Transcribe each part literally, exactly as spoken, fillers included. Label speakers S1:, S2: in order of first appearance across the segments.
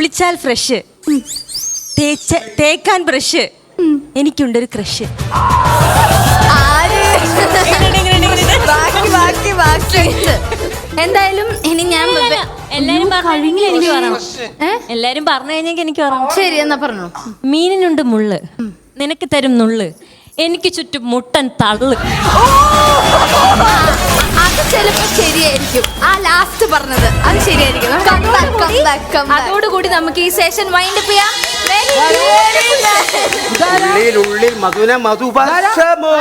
S1: കുളിച്ചാൽ ഫ്രഷ്, തേച്ച തേക്കാൻ ബ്രഷ്, എനിക്കുണ്ടൊരു ക്രഷ്.
S2: എന്തായാലും ഇനി ഞാൻ
S1: എല്ലാരും പറഞ്ഞെങ്കിൽ എനിക്ക് പറയണം. എല്ലാരും പറഞ്ഞു കഴിഞ്ഞെങ്കിൽ എനിക്ക് പറയണം.
S2: ശരി എന്നാ പറഞ്ഞു.
S1: മീനിനുണ്ട് മുള്ള്, നിനക്ക് തരും നുള്ള്, എനിക്ക് ചുറ്റും മുട്ടൻ തള്ളു.
S2: അത് ചിലപ്പോ ശരിയായിരിക്കും. ആ ലാസ്റ്റ് പറഞ്ഞത് അത് ശരിയായിരിക്കും. അതോടുകൂടി നമുക്ക് ഈ സെഷൻ വൈൻഡ് അപ്പ് ചെയ്യാം.
S3: ഉള്ളിൽ മധുന മധുപക്ഷമോ.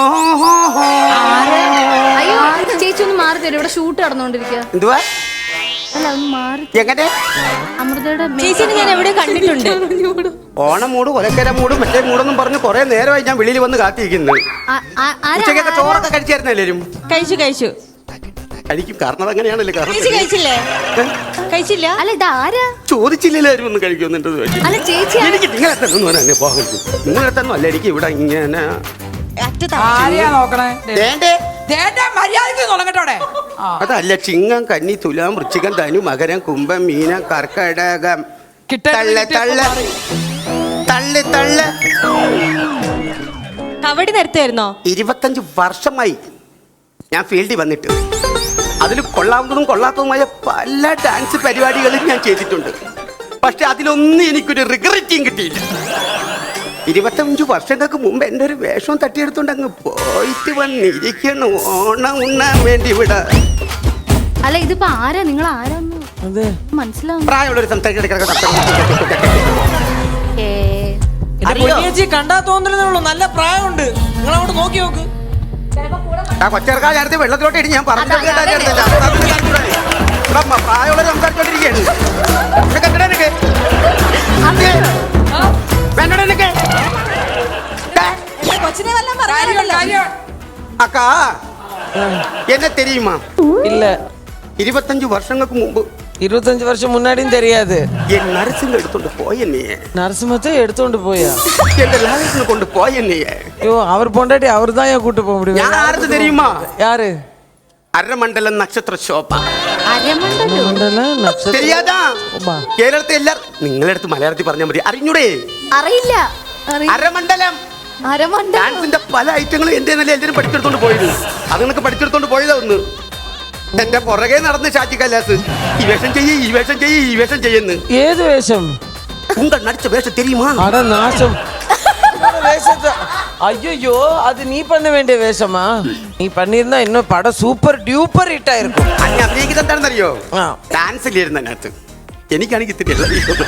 S2: അയ്യോ ചേച്ചി ഒന്ന് മാറി തരും, ഇവിടെ ഷൂട്ട് നടന്നുകൊണ്ടിരിക്കുക.
S3: എന്തുവാ?
S2: അല്ല ഒന്ന് മാറി.
S3: എങ്ങനെ?
S2: അമൃതയുടെ
S1: ചേച്ചിനെ ഞാൻ എവിടെ കണ്ടിട്ടുണ്ട്.
S3: ഓണം മൂട്, കൊലക്കര മൂട്, മറ്റേ മൂടൊന്നും പറഞ്ഞ് കുറെ നേരമായി ഞാൻ വെളിയിൽ വന്ന് കാത്തിരിക്കുന്നത്. ഉച്ചക്കൊക്കെ ചോറൊക്കെ കഴിച്ചായിരുന്നു എല്ലാരും?
S1: കഴിച്ചു കഴിച്ചു
S3: കഴിക്കും, കാരണം അങ്ങനെയാണല്ലോ. കാരണം
S1: കഴിച്ചില്ലേ? കഴിച്ചില്ല.
S2: അല്ല ഇത് ആരാ
S3: ചോദിച്ചില്ലാരും ഒന്ന് കഴിക്കുന്നുണ്ട്.
S2: അല്ല ചേച്ചി
S3: എനിക്ക് നിങ്ങളെ തന്നെ പോകരുത്. നിങ്ങളെ തന്നെ അല്ല, എനിക്ക് ഇവിടെ ഇങ്ങനെ അതല്ല. ചിങ്ങം, കന്നി, തുലാം, വൃശ്ചികം, ധനു, മകരം, കുംഭം, മീനം, കർക്കടകം, തള്ള് തള്ള് തള്ള് തള്ള്.
S1: കബഡി നിർത്തുമായിരുന്നോ?
S3: ഇരുപത്തഞ്ച് വർഷമായി ഞാൻ ഫീൽഡിൽ വന്നിട്ട്. അതിൽ കൊള്ളാവുന്നതും കൊള്ളാത്തതുമായ പല ഡാൻസ് പരിപാടികളും ഞാൻ ചെയ്തിട്ടുണ്ട്. പക്ഷെ അതിലൊന്നും എനിക്കൊരു റിഗ്രറ്റും കിട്ടിയില്ല. ഇരുപത്തഞ്ചു വർഷങ്ങൾക്ക് മുമ്പ് എൻ്റെ ഒരു വേഷം തട്ടിയെടുത്തോണ്ട് അങ്ങ് പോയിട്ട് വന്നിരിക്കണം ഓണം ഉണ്ണാൻ വേണ്ടി ഇവിടെ.
S2: അല്ല ഇതിപ്പോ ആരാ? നിങ്ങൾ ആരാന്ന് മനസ്സിലാവും.
S3: പ്രായമുള്ളൊരു
S4: കണ്ടാ തോന്നുന്നുള്ളൂ, നല്ല പ്രായമുണ്ട്. നിങ്ങൾ അങ്ങോട്ട് നോക്കി നോക്ക്.
S3: ആ കൊച്ചേർക്കാർ അടുത്ത് വെള്ളത്തിലോട്ട് ഇടി. ഞാൻ പറഞ്ഞു പ്രായമുള്ളവർ സംസാരിച്ചോണ്ടിരിക്കുകയാണ്. അക്കാ എന്നെ தெரியுமா?
S4: இல்ல.
S3: இருபத்தஞ்சு வருஷங்களுக்கு முன்பு.
S4: இருபத்தஞ்சு வருஷம் முன்னாடியும் தெரியாது.
S3: என் நரசிங்க எடுத்துட்டு போய் என்னைய.
S4: நரசிம்மத்தை எடுத்துட்டு போயா?
S3: என் லாலிஸ்ல கொண்டு போய் என்னைய.
S4: ஐயோ அவர் பொண்டாட்டி அவர் தான் ஏன் கூட்டி போக முடியும்?
S3: யாருக்கு தெரியுமா?
S4: யாரு?
S3: അരമണ്ഡലം നക്ഷത്ര ശോഭ.
S4: അരമണ്ഡലം
S3: தெரியாதா? കേരളത്തെ എല്ലാരും നിങ്ങളുടെ അടുത്ത് മലയാളത്തിൽ പറഞ്ഞാൽ മതി. അറിഞ്ഞൂടെ?
S2: അറിയില്ല.
S3: അരമണ്ഡലം ഡാൻസിന്റെ പല ഐറ്റങ്ങളും എന്റെ നല്ല എല്ലാവരും പഠിച്ചെടുത്തോണ്ട് പോയത്. അത് നിനക്ക് പഠിച്ചെടുത്തോണ്ട് പോയതാ ഒന്ന്. എന്റെ പുറകെ നടന്ന് ഷാജി കൈലാസ് ഈ വേഷം ചെയ്യ്, ഈ വേഷം ചെയ്യ്, ഈ വേഷം ചെയ്യുന്നു.
S4: ഏത് വേഷം?
S3: ഉങ്ക നടിച്ച വേഷം தெரியுமா?
S4: அட நாசம். வேஷத்தை ஐயோ, அது நீ பண்ண வேண்டிய வேஷமா? நீ பண்ணிருந்தா இன்னும் படம் சூப்பர் டியூப்பர் ഹിറ്റ് ആയിരിക്കും.
S3: അന്ന് അഭിനയിക്കുന്നത് എന്താണെന്നറിയോ? ഡാൻസിലിരുന്ന അതിനകത്ത് എനിക്കാണെങ്കിൽ തിരിയല്ല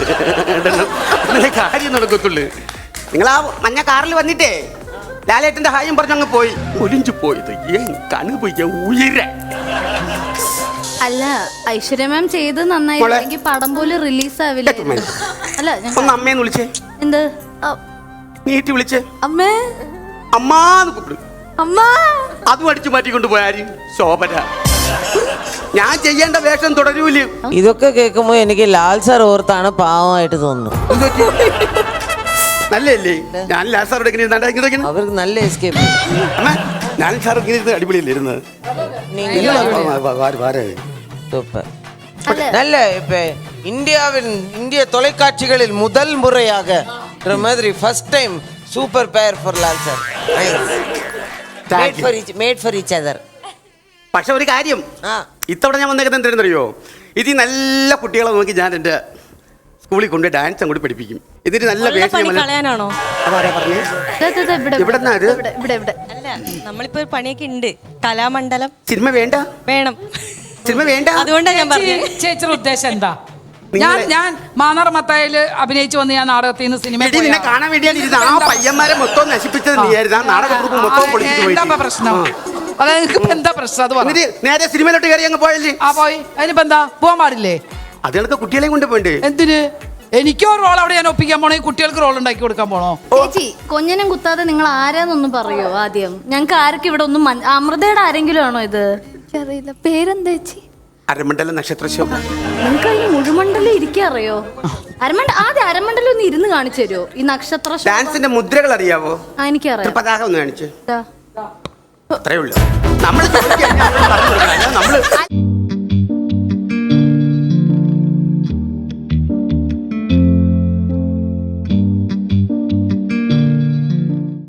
S3: കാര്യം നടക്കത്തുള്ളു. നിങ്ങൾ ആ മഞ്ഞ കാറിൽ വന്നിട്ടേ ലാലേട്ടന്റെ ഹായും പറഞ്ഞങ്ങ് പോയി. ഒലിഞ്ചു പോയത് ഏൻ കണു പോയി ഉയര.
S2: അല്ല ഐശ്വര്യ മാം ചെയ്ത് നന്നായി പടം പോലും റിലീസ് ആവില്ല. അല്ല
S3: ഒന്ന് അമ്മേന്ന് വിളിച്ചേ.
S2: എന്ത്
S3: നീട്ടി വിളിച്ചേ?
S2: അമ്മേ
S3: അമ്മാന്ന് കൂപ്പിട്.
S2: അമ്മ
S3: അതും അടിച്ചു മാറ്റിക്കൊണ്ട് പോയാര് ശോഭന. ഞാൻ ചെയ്യേണ്ട വേഷം തുടരൂല്.
S4: ഇതൊക്കെ കേൾക്കുമ്പോ എനിക്ക് ലാൽ സാർ ഓർത്താണ് പാവമായിട്ട് തോന്നുന്നു.
S3: നല്ലല്ലേ? ഞാൻ ലാൽ സാറോട്
S4: അവർക്ക് നല്ല എസ്കേപ്പ്.
S3: ഞാൻ സാർ ഇങ്ങനെ അടിപൊളിയല്ലേ ഇരുന്നത്?
S4: நல்ல இப்ப இந்தியாவின் இந்திய தொலைக்காட்சிகளில் முதல் முறையாக மாதிரி first time super pair for Lal sir. Made for each made for each other.
S3: പക്ഷെ ഒരു കാര്യം, ഇത്തവണ ഞാൻ വന്നേക്കുന്നത് എന്തെന്നറിയോ? ഇത് നല്ല കുട്ടികളെ നോക്കി ഞാൻ എൻ്റെ സ്കൂളിൽ കൊണ്ട് ഡാൻസ് അങ്ങോട്ട് പഠിപ്പിക്കും. ഇതിന് നല്ല
S1: കളയാനാണോ? നമ്മളിപ്പോ പണിയൊക്കെ ഉണ്ട്. കലാമണ്ഡലം
S3: സിനിമ വേണ്ട?
S1: വേണം.
S3: സിനിമ വേണ്ട.
S1: അതുകൊണ്ടാണ് ഞാൻ പറഞ്ഞത്.
S5: ചേച്ചിയുടെ ഉദ്ദേശം എന്താ? ഞാൻ ഞാൻ മാന്നാർ മത്തായില് അഭിനയിച്ചു വന്ന് ഞാൻ നാടകത്തിൽ നിന്ന് സിനിമ
S3: നിന്നെ കാണാൻ വേണ്ടിയാണ് ഇരുന്ന്. ആ പയ്യന്മാരെ മൊത്തം നശിപ്പിച്ചത് നീയായിരുന്നു. ആ നാടക ഗ്രൂപ്പ് മൊത്തം പൊളിച്ചിട്ട് പോയി.
S5: എന്താ പ്രശ്നം? അതായത് എന്താ പ്രശ്നം? അത് പറഞ്ഞു.
S3: നേരെ സിനിമയിലോട്ട് കയറി അങ്ങ് പോയല്ലേ?
S5: ആ പോയി. അതിനിപ്പോ എന്താ പോകാൻ പാടില്ലേ?
S3: അതുകൾക്ക് കുട്ടികളെ കൊണ്ട് പോയിണ്ട്.
S5: എന്തിന്? എനിക്കോ റോൾ അവിടെ ഞാൻ ഒപ്പിക്കാൻ പോണോ? ഈ കുട്ടികൾക്ക് റോൾ ഉണ്ടാക്കി കൊടുക്കാൻ പോണോ?
S2: ചേച്ചി കൊഞ്ഞനും കുത്താതെ നിങ്ങൾ ആരാന്നൊന്നും പറയോ ആദ്യം? ഞങ്ങൾക്ക് ആർക്കും ഇവിടെ ഒന്നും. അമൃതയുടെ ആരെങ്കിലും ആണോ ഇത്? അറിയില്ല. പേരെന്താ ചേച്ചി?
S3: അരമണ്ഡലം നക്ഷത്ര ശോഭ.
S2: നിങ്ങൾക്ക് അതിന് മുഴുമണ്ഡലം ഇരിക്കറിയോ? അരമണ്ഡ ആദ്യം അരമണ്ഡലം ഒന്ന് ഇരുന്ന് കാണിച്ചു തരുമോ? ഈ നക്ഷത്ര
S3: ഡാൻസിന്റെ മുദ്രകൾ അറിയാവോ?
S2: എനിക്കറിയാം.
S3: പതാക ഒന്ന് കാണിച്ചു. അത്രേ ഉള്ളൂ. നമ്മൾ നമ്മള്